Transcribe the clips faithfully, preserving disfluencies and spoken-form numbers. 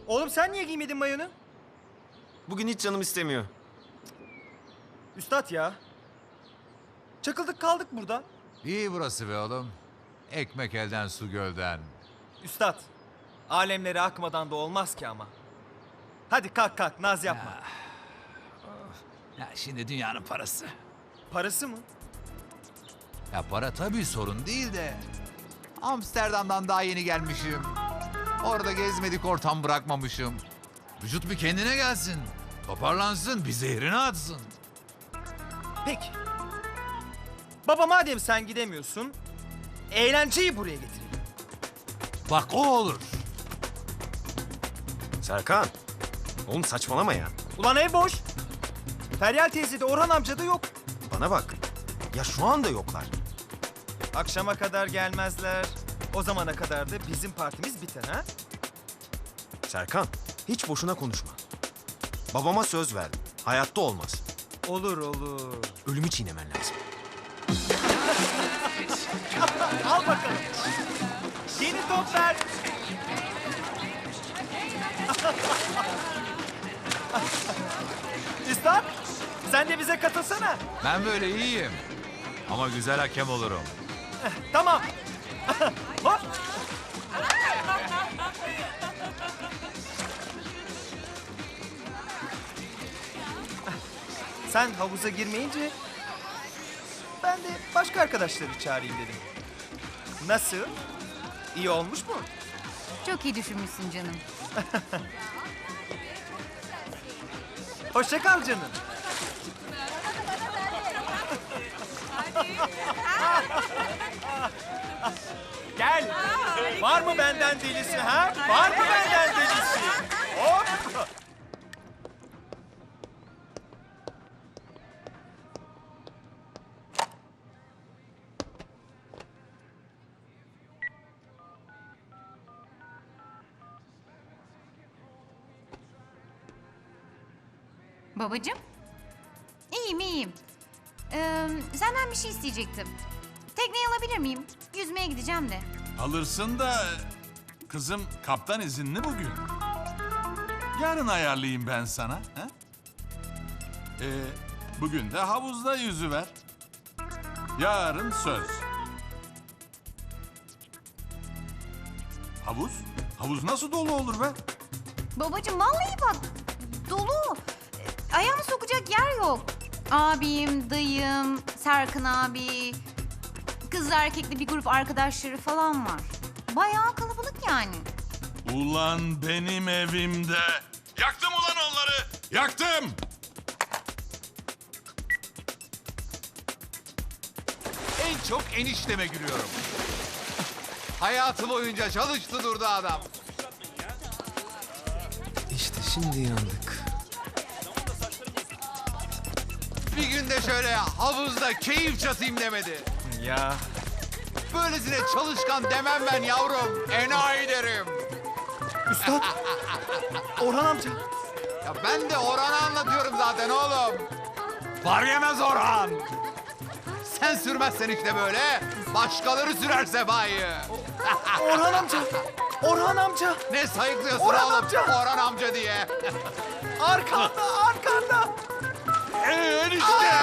Oğlum sen niye giymedin mayonu? Bugün hiç canım istemiyor. Üstad ya. Çakıldık kaldık burada. İyi burası be oğlum. Ekmek elden su gölden. Üstad. Alemlere akmadan da olmaz ki ama. Hadi kalk kalk naz yapma. Ya şimdi dünyanın parası. Parası mı? Ya para tabii sorun değil de. Amsterdam'dan daha yeni gelmişim. Orada gezmedik ortam bırakmamışım. Vücut bir kendine gelsin. Toparlansın, bir zehrini atsın. Peki. Baba madem sen gidemiyorsun, eğlenceyi buraya getirelim. Bak o olur. Serkan. Oğlum saçmalama ya. Ulan ev boş. Feryal teyze de Orhan amca da yok. Bana bak. Ya şu anda yoklar. Akşama kadar gelmezler. O zamana kadar da bizim partimiz biter ha? Serkan, hiç boşuna konuşma. Babama söz verdim. Hayatta olmaz. Olur olur. Ölümü çiğnemen lazım. Al bakalım. Yeni top ver. Üstad, sen de bize katılsana. Ben böyle iyiyim. Ama güzel hakem olurum. Tamam. Hop. Sen havuza girmeyince ben de başka arkadaşları çağırayım dedim. Nasıl? İyi olmuş mu? Çok iyi düşünmüşsün canım. Hoşça kal canım. Gel. Var mı benden delisi ha? Var mı benden delisi? Hop. Babacığım? İyiyim, iyiyim. Ee, senden bir şey isteyecektim. Tekneyi alabilir miyim? Yüzmeye gideceğim de. Alırsın da kızım kaptan izinli bugün. Yarın ayarlayayım ben sana. Ha? Ee, bugün de havuzda yüzüver. Yarın söz. Havuz? Havuz nasıl dolu olur be? Babacığım vallahi bak, dolu. Ee, Ayağımı sokacak yer yok. Abim, dayım, Serkan abi, kızlı erkekli bir grup arkadaşları falan var. Bayağı kalabalık yani. Ulan benim evimde. Yaktım ulan onları. Yaktım. En çok enişteme gülüyorum. Hayatı boyunca çalıştı durdu adam. İşte şimdi yandık. Bir günde şöyle havuzda keyif çatayım demedi. Ya. Böylesine çalışkan demem ben yavrum. Enayi derim. Üstad. Orhan amca. Ya ben de Orhan'ı anlatıyorum zaten oğlum. Var yemez Orhan. Sen sürmezsen işte böyle, başkaları sürer sefayı. Orhan amca. Orhan amca. Ne sayıklıyorsun Orhan oğlum amca. Orhan amca diye. Arkanda, arkanda. Enişte.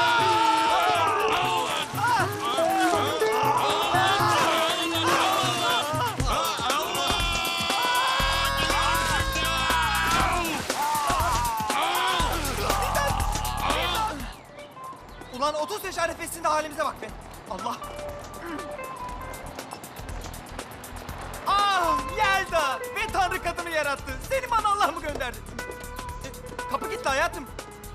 Ulan otuz yaş arifesinde halimize bak be. Allah. Ah Yelda. Ve Tanrı kadını yarattı. Seni bana Allah mı gönderdi? E, kapı gitti hayatım.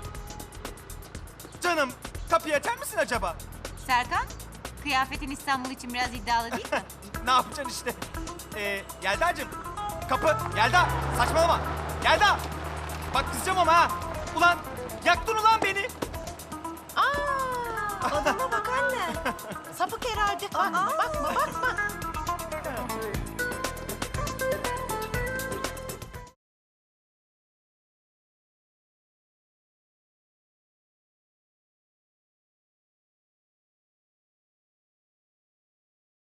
Canım kapıyı açar mısın acaba? Serkan, kıyafetin İstanbul için biraz iddialı değil mi? Ne yapacaksın işte? Ee, Yelda'cığım. Kapı. Yelda. Saçmalama. Yelda. Bak kızacağım ama ha. Ulan yaktın ulan beni. Aa, adama bak anne. Sapık herhalde. Aa, bakma bak.